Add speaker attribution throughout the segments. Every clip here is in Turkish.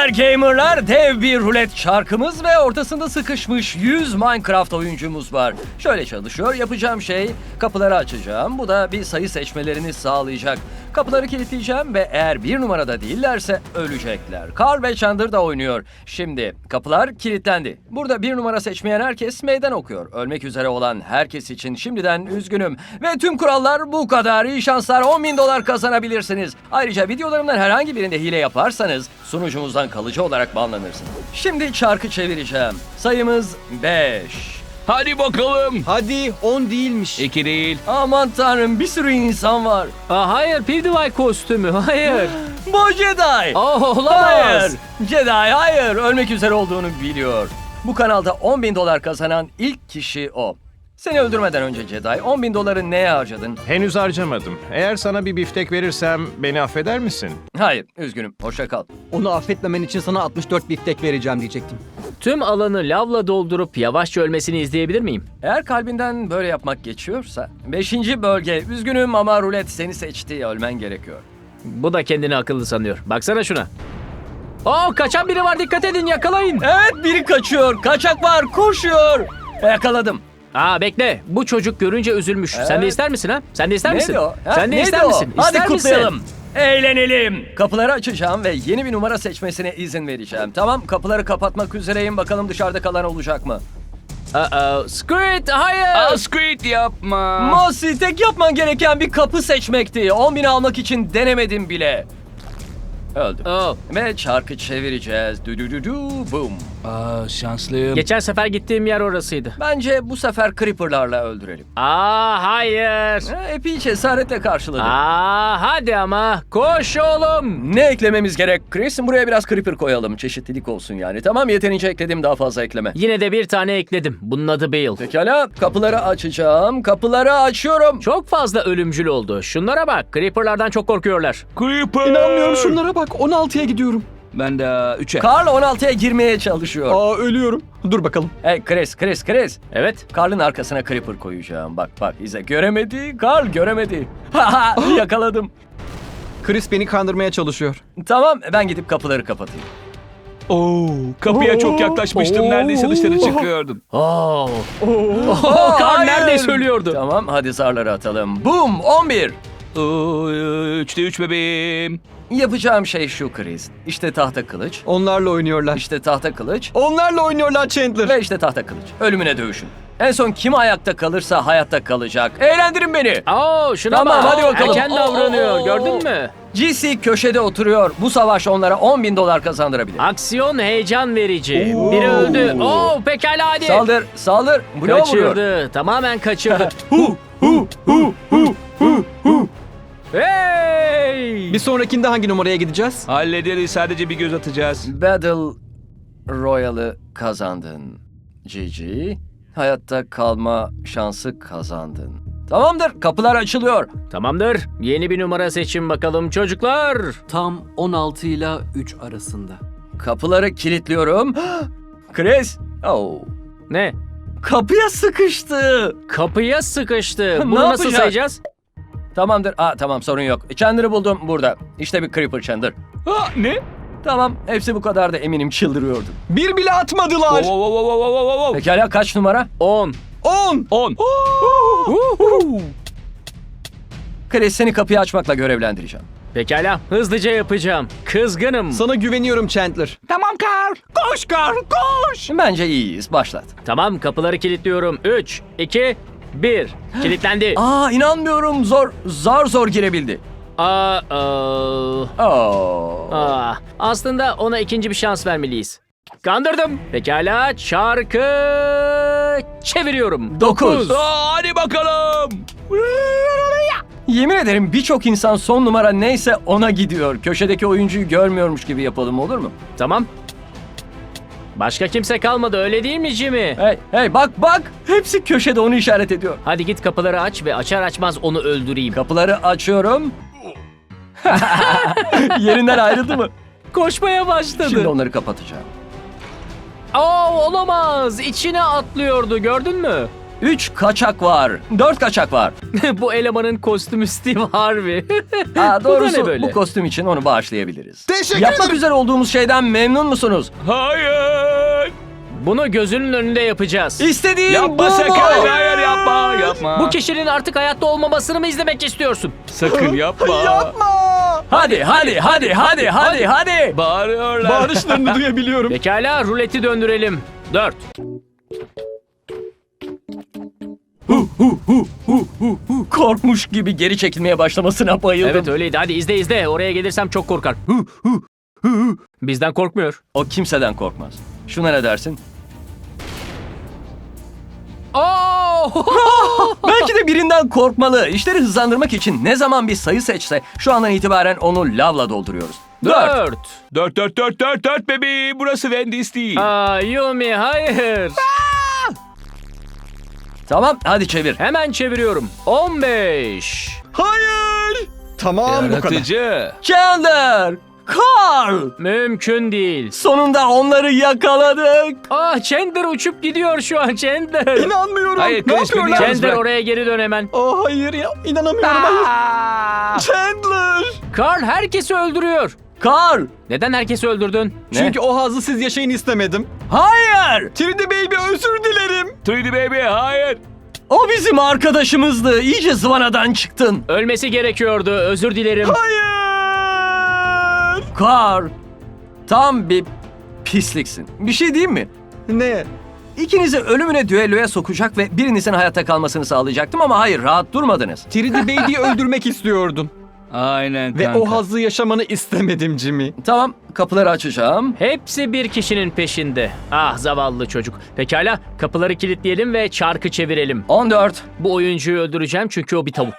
Speaker 1: haber gamerlar? Dev bir rulet çarkımız ve ortasında sıkışmış 100 Minecraft oyuncumuz var. Şöyle çalışıyor. Yapacağım şey, kapıları açacağım. Bu da bir sayı seçmelerini sağlayacak. Kapıları kilitleyeceğim ve eğer bir numarada değillerse ölecekler. Carl ve Chandler da oynuyor. Şimdi kapılar kilitlendi. Burada bir numara seçmeyen herkes meydan okuyor. Ölmek üzere olan herkes için şimdiden üzgünüm. Ve tüm kurallar bu kadar. İyi şanslar, $10.000 kazanabilirsiniz. Ayrıca videolarımdan herhangi birinde hile yaparsanız sunucumuzdan kalıcı olarak banlanırsınız. Şimdi çarkı çevireceğim. Sayımız 5.
Speaker 2: Hadi bakalım.
Speaker 3: Hadi 10 değilmiş.
Speaker 2: 2 değil.
Speaker 1: Aman tanrım, bir sürü insan var.
Speaker 4: Hayır, PewDiePie kostümü. Hayır.
Speaker 1: Bu Jedi.
Speaker 4: Olamaz.
Speaker 1: Hayır. Jedi hayır. Ölmek üzere olduğunu biliyor. Bu kanalda $10.000 kazanan ilk kişi o. Seni öldürmeden önce Jedi, $10.000'ı neye harcadın?
Speaker 5: Henüz harcamadım. Eğer sana bir biftek verirsem beni affeder misin?
Speaker 1: Hayır, üzgünüm. Hoşça kal.
Speaker 3: Onu affetmemen için sana 64 biftek vereceğim diyecektim.
Speaker 4: Tüm alanı lavla doldurup yavaşça ölmesini izleyebilir miyim?
Speaker 1: Eğer kalbinden böyle yapmak geçiyorsa, 5. bölge. Üzgünüm ama rulet seni seçti. Ölmen gerekiyor.
Speaker 4: Bu da kendini akıllı sanıyor. Baksana şuna. Kaçan biri var, dikkat edin, yakalayın.
Speaker 1: Evet, biri kaçıyor. Kaçak var, koşuyor. Yakaladım.
Speaker 4: Bekle. Bu çocuk görünce üzülmüş. Sen de
Speaker 1: Evet.
Speaker 4: ister misin ha? Sen de ister misin?
Speaker 1: Neydi o? Ha?
Speaker 4: Sen de
Speaker 1: Neydi
Speaker 4: ister
Speaker 1: o?
Speaker 4: misin?
Speaker 1: Hadi
Speaker 4: İster misin?
Speaker 1: kutlayalım. Eğlenelim. Kapıları açacağım ve yeni bir numara seçmesine izin vereceğim. Tamam, kapıları kapatmak üzereyim. Bakalım dışarıda kalan olacak mı?
Speaker 4: Squid, hayır.
Speaker 2: Squid yapma.
Speaker 1: Mossy, tek yapman gereken bir kapı seçmekti. 10.000 almak için denemedim bile. Öldüm. Ve çarkı çevireceğiz. Boom.
Speaker 2: Şanslıyım.
Speaker 4: Geçen sefer gittiğim yer orasıydı.
Speaker 1: Bence bu sefer Creeper'larla öldürelim.
Speaker 4: Hayır.
Speaker 1: Epey cesaretle karşıladı.
Speaker 4: Hadi ama. Koş oğlum.
Speaker 1: Ne eklememiz gerek Chris? Buraya biraz Creeper koyalım. Çeşitlilik olsun yani. Tamam, yeterince ekledim, daha fazla ekleme.
Speaker 4: Yine de bir tane ekledim. Bunun adı Bale.
Speaker 1: Pekala, kapıları açacağım. Kapıları açıyorum.
Speaker 4: Çok fazla ölümcül oldu. Şunlara bak. Creeper'lardan çok korkuyorlar.
Speaker 2: Creeper.
Speaker 3: İnanmıyorum, şunlara bak. 16'ya gidiyorum.
Speaker 2: Ben de 3'e.
Speaker 1: Carl 16'ya girmeye çalışıyor.
Speaker 3: Ölüyorum. Dur bakalım.
Speaker 1: Hey Chris.
Speaker 4: Evet.
Speaker 1: Carl'ın arkasına Creeper koyacağım. Bak izle. Göremedi. Carl göremedi. Haha, yakaladım.
Speaker 3: Chris beni kandırmaya çalışıyor.
Speaker 1: Tamam, ben gidip kapıları kapatayım.
Speaker 2: Kapıya çok yaklaşmıştım. Neredeyse dışarı çıkıyordum.
Speaker 4: Carl
Speaker 1: Hayır.
Speaker 4: neredeyse ölüyordu.
Speaker 1: Tamam, hadi zarları atalım. Boom, 11.
Speaker 2: 3'te 3 bebeğim.
Speaker 1: Yapacağım şey şu Chris. İşte tahta kılıç.
Speaker 3: Onlarla oynuyorlar.
Speaker 1: İşte tahta kılıç.
Speaker 3: Onlarla oynuyorlar Chandler.
Speaker 1: Ve işte tahta kılıç. Ölümüne dövüşün. En son kim ayakta kalırsa hayatta kalacak. Eğlendirin beni.
Speaker 4: Şuna
Speaker 1: Tamam,
Speaker 4: bak.
Speaker 1: hadi bakalım.
Speaker 4: Erken davranıyor. Gördün mü?
Speaker 1: GC köşede oturuyor. Bu savaş onlara $10.000 kazandırabilir.
Speaker 4: Aksiyon heyecan verici. Biri öldü. Pekala hadi.
Speaker 1: Saldır. Bu ne vuruyor?
Speaker 4: Kaçırdı. Tamamen kaçırdı. Hey!
Speaker 3: Bir sonrakinde hangi numaraya gideceğiz?
Speaker 2: Hallederiz. Sadece bir göz atacağız.
Speaker 1: Battle Royale'ı kazandın. GG. Hayatta kalma şansı kazandın. Tamamdır. Kapılar açılıyor.
Speaker 4: Tamamdır. Yeni bir numara seçin bakalım çocuklar.
Speaker 6: Tam 16 ile 3 arasında.
Speaker 1: Kapıları kilitliyorum. Chris.
Speaker 4: Ne?
Speaker 1: Kapıya sıkıştı.
Speaker 4: Kapıya sıkıştı.
Speaker 1: Ne
Speaker 4: Bunu nasıl
Speaker 1: yapacak?
Speaker 4: sayacağız?
Speaker 1: Tamamdır. Tamam, sorun yok. Chandler'ı buldum burada. İşte bir Creeper Chandler.
Speaker 2: Ne?
Speaker 1: Tamam, hepsi bu kadar da eminim çıldırıyordu.
Speaker 3: Bir bile atmadılar.
Speaker 1: Pekala, kaç numara?
Speaker 4: 10.
Speaker 3: 10.
Speaker 2: 10.
Speaker 1: Chris, seni kapıyı açmakla görevlendireceğim.
Speaker 4: Pekala. Hızlıca yapacağım. Kızgınım.
Speaker 3: Sana güveniyorum Chandler.
Speaker 2: Tamam Carl. Koş Carl, koş.
Speaker 1: Bence iyiyiz. Başlat.
Speaker 4: Tamam, kapıları kilitliyorum. 3, 2, 1. Kilitlendi.
Speaker 1: İnanmıyorum. Zor girebildi.
Speaker 4: Aslında ona ikinci bir şans vermeliyiz. Kandırdım. Pekala, çarkı çeviriyorum.
Speaker 1: 9.
Speaker 2: Hadi bakalım.
Speaker 1: Yemin ederim birçok insan son numara neyse ona gidiyor. Köşedeki oyuncuyu görmüyormuş gibi yapalım, olur mu?
Speaker 4: Tamam. Başka kimse kalmadı, öyle değil mi Jimmy?
Speaker 1: Hey, bak. Hepsi köşede onu işaret ediyor.
Speaker 4: Hadi git kapıları aç ve açar açmaz onu öldüreyim.
Speaker 1: Kapıları açıyorum. Yerinden ayrıldı mı?
Speaker 4: Koşmaya başladı.
Speaker 1: Şimdi onları kapatacağım.
Speaker 4: Olamaz. İçine atlıyordu, gördün mü?
Speaker 1: 3 kaçak var. 4 kaçak var.
Speaker 4: Bu elemanın kostümü Steve Harvey.
Speaker 1: Ha,
Speaker 4: Bu da ne
Speaker 1: doğrusu
Speaker 4: böyle?
Speaker 1: bu kostüm için onu bağışlayabiliriz.
Speaker 3: Teşekkür
Speaker 1: Yapmak
Speaker 3: ederim.
Speaker 1: üzere olduğumuz şeyden memnun musunuz?
Speaker 2: Hayır.
Speaker 4: Bunu gözünün önünde yapacağız.
Speaker 1: İstediğin bu
Speaker 2: Yapma
Speaker 1: mu?
Speaker 2: sakın. Hayır yapma. Yapma.
Speaker 4: Bu kişinin artık hayatta olmamasını mı izlemek istiyorsun?
Speaker 2: Sakın yapma.
Speaker 1: Hadi hadi hadi hadi hadi hadi.
Speaker 2: Bağırıyorlar.
Speaker 3: Bağırışlarını duyabiliyorum.
Speaker 4: Pekala ruleti döndürelim. 4.
Speaker 1: Korkmuş gibi geri çekilmeye başlamasına bayıldım.
Speaker 4: Evet öyleydi. Hadi izle. Oraya gelirsem çok korkar. Bizden korkmuyor.
Speaker 1: O kimseden korkmaz. Şuna ne dersin?
Speaker 4: Oo!
Speaker 1: Belki de birinden korkmalı. İşleri hızlandırmak için ne zaman bir sayı seçse şu andan itibaren onu lavla dolduruyoruz. 4.
Speaker 2: 4 bebeğim. Burası Wendy's değil.
Speaker 4: Aa, Yumi hayır.
Speaker 1: Tamam hadi çevir.
Speaker 4: Hemen çeviriyorum. 15.
Speaker 3: Hayır. Tamam bu kadar.
Speaker 2: Yaratıcı.
Speaker 1: Chandler! Carl!
Speaker 4: Mümkün değil.
Speaker 1: Sonunda onları yakaladık.
Speaker 4: Ah Chandler uçup gidiyor şu an Chandler.
Speaker 3: İnanmıyorum.
Speaker 2: Hayır,
Speaker 3: ne
Speaker 2: Chris, beni
Speaker 3: yapıyorlar?
Speaker 2: yalnız
Speaker 4: Chandler
Speaker 2: bırak.
Speaker 4: oraya geri dön hemen.
Speaker 3: Oh hayır ya. İnanamıyorum hayır. Chandler.
Speaker 4: Carl herkesi öldürüyor.
Speaker 1: Carl!
Speaker 4: Neden herkesi öldürdün?
Speaker 1: Ne?
Speaker 3: Çünkü o hazzı siz yaşayın istemedim.
Speaker 1: Hayır!
Speaker 3: 3D Baby özür dilerim.
Speaker 2: 3D baby hayır.
Speaker 1: O bizim arkadaşımızdı. İyice zıvanadan çıktın.
Speaker 4: Ölmesi gerekiyordu. Özür dilerim.
Speaker 3: Hayır.
Speaker 1: Carl! Tam bir pisliksin. Bir şey diyeyim mi?
Speaker 3: Ne?
Speaker 1: İkinizi ölümüne düelloya sokacak ve birinizin hayatta kalmasını sağlayacaktım ama hayır rahat durmadınız.
Speaker 3: 3D Baby'yi öldürmek istiyordun.
Speaker 2: Aynen
Speaker 3: Ve
Speaker 2: kanka.
Speaker 3: o hazzı yaşamanı istemedim Jimmy.
Speaker 1: Tamam kapıları açacağım.
Speaker 4: Hepsi bir kişinin peşinde. Ah zavallı çocuk. Pekala kapıları kilitleyelim ve çarkı çevirelim.
Speaker 1: 14.
Speaker 4: Bu oyuncuyu öldüreceğim çünkü o bir tavuk.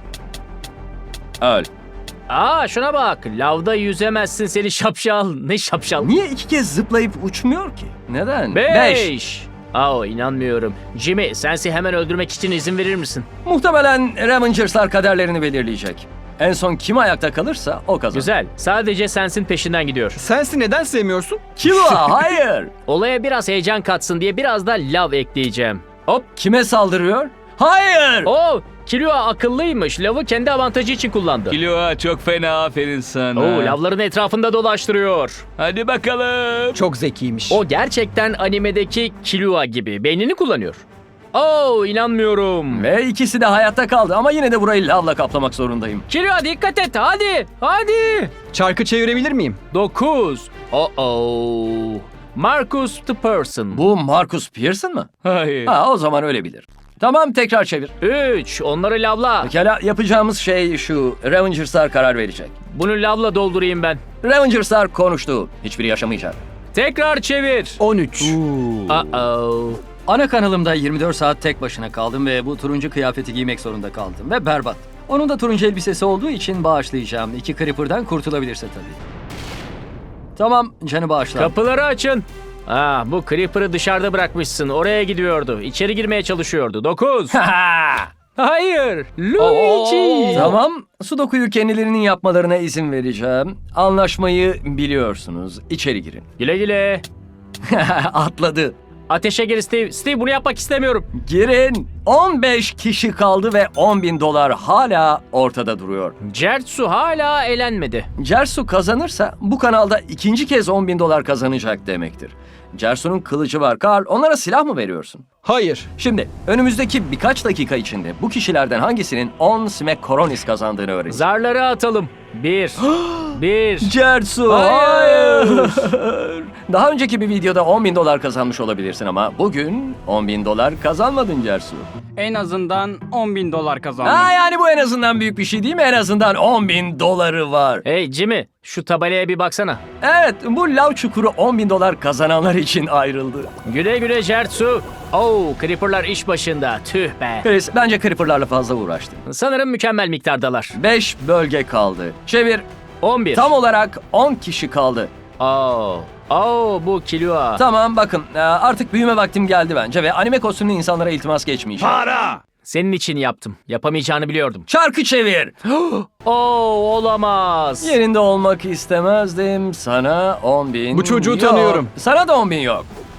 Speaker 1: Öl.
Speaker 4: Aa şuna bak. Lavda yüzemezsin seni şapşal. Ne şapşal?
Speaker 1: Niye 2 kez zıplayıp uçmuyor ki? Neden?
Speaker 4: 5. Aa inanmıyorum. Jimmy sensi hemen öldürmek için izin verir misin?
Speaker 1: Muhtemelen Revengers'lar kaderlerini belirleyecek. En son kim ayakta kalırsa o kazanır.
Speaker 4: Güzel. Sadece sensin peşinden gidiyor.
Speaker 3: Sensi neden sevmiyorsun?
Speaker 1: Killua hayır.
Speaker 4: Olaya biraz heyecan katsın diye biraz da lav ekleyeceğim. Hop.
Speaker 1: Kime saldırıyor? Hayır.
Speaker 4: Oo, Killua akıllıymış. Lavı kendi avantajı için kullandı.
Speaker 2: Killua çok fena, aferin sana.
Speaker 4: Oo, lavların etrafında dolaştırıyor.
Speaker 2: Hadi bakalım.
Speaker 3: Çok zekiymiş.
Speaker 4: O gerçekten animedeki Killua gibi. Beynini kullanıyor. Oo, inanmıyorum.
Speaker 1: Ve ikisi de hayatta kaldı ama yine de burayı lavla kaplamak zorundayım.
Speaker 4: Killua dikkat et. Hadi. Hadi.
Speaker 3: Çarkı çevirebilir miyim?
Speaker 4: 9. Oh. Marcus the Person.
Speaker 1: Bu Marcus Pearson mı?
Speaker 2: Hayır.
Speaker 1: Ha o zaman öyle bilir. Tamam tekrar çevir.
Speaker 4: 3. Onları lavla.
Speaker 1: Pekala yapacağımız şey şu. Revengers'lar karar verecek.
Speaker 4: Bunu lavla doldurayım ben.
Speaker 1: Revengers'lar konuştu. Hiçbiri yaşamayacak.
Speaker 4: Tekrar çevir.
Speaker 3: 13.
Speaker 4: Uh-oh.
Speaker 7: Ana kanalımda 24 saat tek başına kaldım ve bu turuncu kıyafeti giymek zorunda kaldım ve berbat. Onun da turuncu elbisesi olduğu için bağışlayacağım. 2 Creeper'dan kurtulabilirse tabii. Tamam, canı bağışla.
Speaker 4: Kapıları açın. Ah, bu Creeper'ı dışarıda bırakmışsın. Oraya gidiyordu. İçeri girmeye çalışıyordu. 9. Hayır. Luigi.
Speaker 1: Tamam, Sudoku'yu kendilerinin yapmalarına izin vereceğim. Anlaşmayı biliyorsunuz. İçeri girin.
Speaker 4: Güle güle.
Speaker 1: Atladı.
Speaker 4: Ateşe gir Steve. Steve bunu yapmak istemiyorum.
Speaker 1: Girin. 15 kişi kaldı ve $10.000 hala ortada duruyor.
Speaker 4: Certsu hala elenmedi.
Speaker 1: Cersu kazanırsa bu kanalda ikinci kez $10.000 kazanacak demektir. Cersu'nun kılıcı var. Carl, onlara silah mı veriyorsun?
Speaker 3: Hayır.
Speaker 1: Şimdi önümüzdeki birkaç dakika içinde bu kişilerden hangisinin 10 Smack Coronis kazandığını öğreneceğiz.
Speaker 4: Zarları atalım. 1. 1.
Speaker 1: Cersu, hayır. Daha önceki bir videoda $10.000 kazanmış olabilirsin ama bugün $10.000 kazanmadın Cersu.
Speaker 8: En azından $10.000 kazandım.
Speaker 1: Ha yani bu en azından büyük bir şey değil mi? En azından $10.000 var.
Speaker 4: Hey Jimmy, şu tabelaya bir baksana.
Speaker 1: Evet, bu lav çukuru $10.000 kazananlar için ayrıldı.
Speaker 4: Güle güle Certsu. Oh, Creeper'lar iş başında. Tüh be.
Speaker 1: Chris, bence Creeper'larla fazla uğraştı.
Speaker 4: Sanırım mükemmel miktardalar.
Speaker 1: 5 bölge kaldı. Çevir.
Speaker 4: 11.
Speaker 1: Tam olarak 10 kişi kaldı.
Speaker 4: Oh. Oh, bu Killua.
Speaker 1: Tamam bakın artık büyüme vaktim geldi bence ve anime kostümlü insanlara iltimas geçmeyeceğim.
Speaker 4: Senin için yaptım. Yapamayacağını biliyordum.
Speaker 1: Çarkı çevir.
Speaker 4: Oh, olamaz.
Speaker 1: Yerinde olmak istemezdim. Sana 10.000
Speaker 3: Bu çocuğu
Speaker 1: yok.
Speaker 3: tanıyorum.
Speaker 1: Sana da 10.000 yok.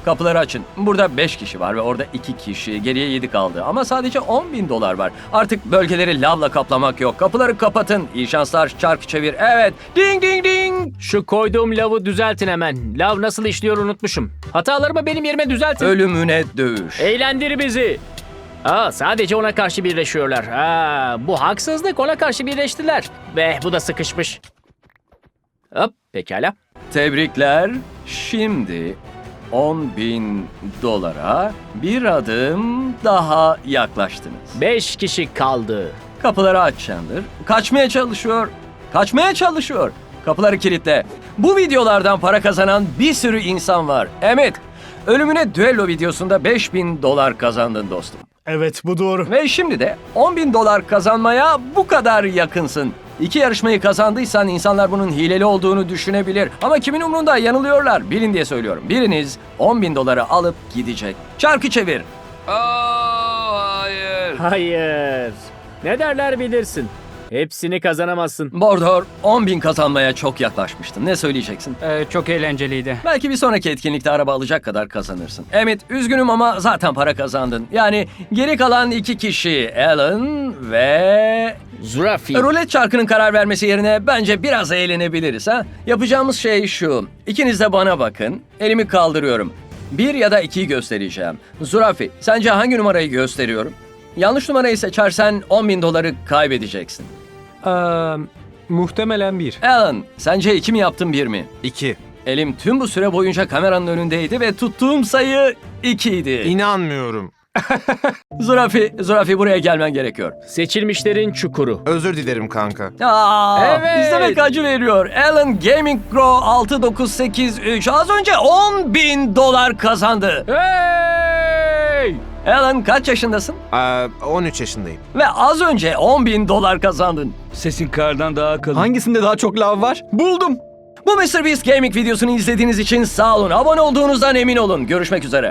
Speaker 1: Kapıları açın. Burada 5 kişi var ve orada 2 kişi. Geriye 7 kaldı. Ama sadece 10.000 dolar var. Artık bölgeleri lavla kaplamak yok. Kapıları kapatın. İyi şanslar. Çark çevir. Evet. Ding ding ding.
Speaker 4: Şu koyduğum lavı düzeltin hemen. Lav nasıl işliyor unutmuşum. Hatalarımı benim yerime düzeltin.
Speaker 1: Ölümüne dövüş.
Speaker 4: Eğlendir bizi. Sadece ona karşı birleşiyorlar. Bu haksızlık, ona karşı birleştiler. Ve bu da sıkışmış. Hop, pekala.
Speaker 1: Tebrikler. Şimdi 10.000 dolara bir adım daha yaklaştınız.
Speaker 4: 5 kişi kaldı.
Speaker 1: Kapıları aç Chandler. Kaçmaya çalışıyor. Kaçmaya çalışıyor. Kapıları kilitle. Bu videolardan para kazanan bir sürü insan var. Evet. Ölümüne düello videosunda 5.000 dolar kazandın dostum.
Speaker 3: Evet, bu doğru.
Speaker 1: Ve şimdi de 10.000 dolar kazanmaya bu kadar yakınsın. 2 yarışmayı kazandıysan insanlar bunun hileli olduğunu düşünebilir. Ama kimin umrunda, yanılıyorlar. Bilin diye söylüyorum. Biriniz 10.000 doları alıp gidecek. Çarkı çevir.
Speaker 4: Hayır. Ne derler bilirsin. Hepsini kazanamazsın.
Speaker 1: Bordor, 10.000 kazanmaya çok yaklaşmıştın. Ne söyleyeceksin?
Speaker 8: Çok eğlenceliydi.
Speaker 1: Belki bir sonraki etkinlikte araba alacak kadar kazanırsın. Emmett, üzgünüm ama zaten para kazandın. Yani geri kalan 2 kişi, Alan ve...
Speaker 4: Zürafi.
Speaker 1: Rulet çarkının karar vermesi yerine bence biraz eğlenebiliriz ha. Yapacağımız şey şu. İkiniz de bana bakın. Elimi kaldırıyorum. 1 ya da 2'yi göstereceğim. Zürafi, sence hangi numarayı gösteriyorum? Yanlış numarayı seçersen 10.000 doları kaybedeceksin.
Speaker 3: Muhtemelen 1.
Speaker 1: Alan, sence 2 mi yaptım 1 mi?
Speaker 5: 2.
Speaker 1: Elim tüm bu süre boyunca kameranın önündeydi ve tuttuğum sayı 2 idi.
Speaker 5: İnanmıyorum.
Speaker 1: Zürafi buraya gelmen gerekiyor.
Speaker 4: Seçilmişlerin çukuru.
Speaker 5: Özür dilerim kanka.
Speaker 4: Evet.
Speaker 1: İzlemek acı veriyor. Alan Gaming Pro 6983 az önce 10.000 dolar kazandı.
Speaker 4: Hey!
Speaker 1: Alan kaç yaşındasın?
Speaker 5: 13 yaşındayım.
Speaker 1: Ve az önce 10.000 dolar kazandın.
Speaker 2: Sesin kardan daha kalın.
Speaker 3: Hangisinde daha çok lav var? Buldum.
Speaker 1: Bu MrBeast Gaming videosunu izlediğiniz için sağ olun. Abone olduğunuzdan emin olun. Görüşmek üzere.